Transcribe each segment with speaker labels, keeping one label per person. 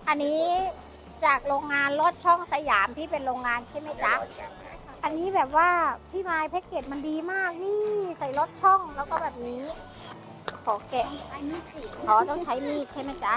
Speaker 1: อันนี้จากโรงงานลอดช่องสยามที่เป็นโรงงานใช่ไหมจ๊ะอันนี้แบบว่าพี่ไม้แพ็กเกจมันดีมากนี่ใส่ลอดช่องแล้วก็แบบนี้ ขอแกะต้องใช้มีดใช่ไหมจ๊ะ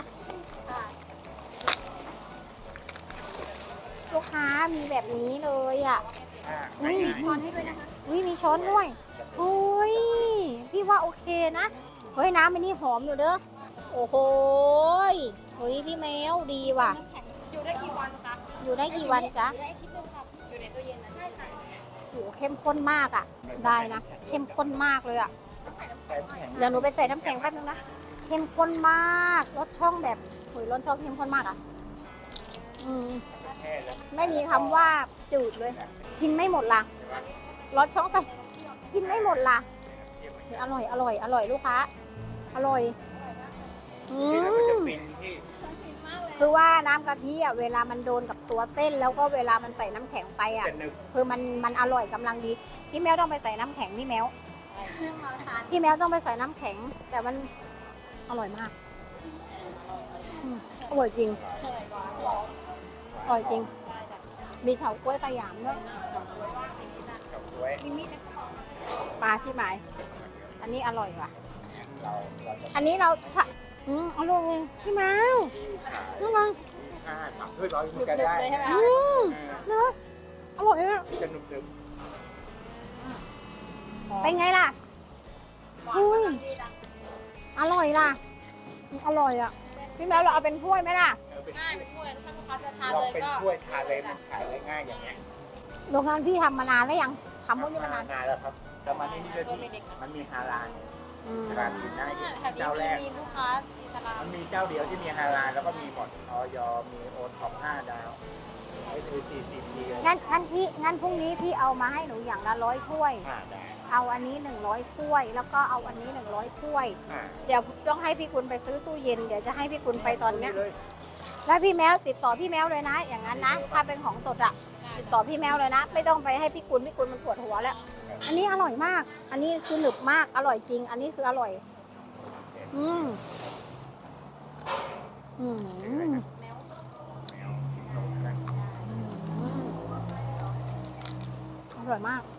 Speaker 1: ลูกค้ามีแบบนี้เลยอ่ะมีช้อนให้ด้วยนะคะมีช้อนด้วยโอ้ยพี่ว่าโอเคนะเฮ้ยน้ำมันนี่หอมอยู่เด้อโอ้โหเฮ้ยพี่แมวดีว่ะ
Speaker 2: อยู่ได้กี่วันคะ
Speaker 1: อยู่ได้กี่วันจ๊ะ
Speaker 2: อยู่ได้อาทิตย์นึงครับอยู่ในตู้เย็นนะใช่ค่ะ
Speaker 1: โอ้เข้มข้นมากอ่ะได้นะเข้มข้นมากเลยอ่ะเดี๋ยวหนูไปใส่น้ำแข็งแป๊บนึงนะเข้มข้นมากรสช่องแบบโอ้ยรสช่องเข้มข้นมากอ่ะไม่มีคำว่าจืดเลย กินไม่หมดล่ะรสช่องใส่กินไม่หมดล่ะอร่อยอร่อยอร่อยลูกค้าอร่อยคือว่าน้ำกะทิอ่ะเวลามันโดนกับตัวเส้นแล้วก็เวลามันใส่น้ำแข็งไปอ่ะคือมันอร่อยกำลังดีพี่แมวต้องไปใส่น้ำแข็งพี่แมวต้องไปใส่น้ำแข็งแต่มันอร่อยมากอร่อยจริงอร่อยจริงมีเฉาก๊วยสยามด้วยปลาพี่หมายอันนี้อร่อยว่ะอันนี้เราอร่อยพี่แมวน้องลอง
Speaker 2: เลยใช่ไหมคะ
Speaker 1: เนาะอร่อยอ่ะเป็นไงล่ะอุ้ยอร่อยล่ะอร่อยอ่ะพี่แมวเราเอาเป็นถ้วยไหมล่ะ
Speaker 2: ง่ายเป็นถ้วยถ้าลูกค้าจะทาน
Speaker 3: เรา
Speaker 2: เลย
Speaker 3: เป็น
Speaker 2: ก็
Speaker 3: ถ้วยทานเลยมันขายได้ง่ายอย่างเงี้ย
Speaker 1: โรงงานพี่ทำมานานแล้วยังทำพวกนี้มานาน
Speaker 3: แล้วครับแต่มาที่นี่ก็มันมีฮาลาลร้านอื่นได้เจ้าแรก
Speaker 2: มีลูกค้าอิสลาม
Speaker 3: มันมีเจ้าเดียวที่มีฮาลาลแล้วก็มีหมดออยมีโอท็อป5 ดาวไอ้คือCCP
Speaker 1: งั้นพรุ่งนี้พี่เอามาให้หนูอย่างละ100 ถ้วย
Speaker 3: ได้
Speaker 1: เอาอันนี้100 ถ้วย แล้วก็เอาอันนี้100 ถ้วย เดี๋ยวต้องให้พี่คุณไปซื้อตู้เย็นเดี๋ยวจะให้พี่คุณไปตอนเนี้ยแล้วพี่แมวติดต่อพี่แมวเลยนะอย่างนั้นนะถ้าเป็นของสดอะติดต่อพี่แมวเลยนะไม่ต้องไปให้พี่คุณมันปวดหัวแล้วอันนี้อร่อยมากอันนี้คือหนึบมากอร่อยจริงอันนี้คืออร่อยอร่อยมาก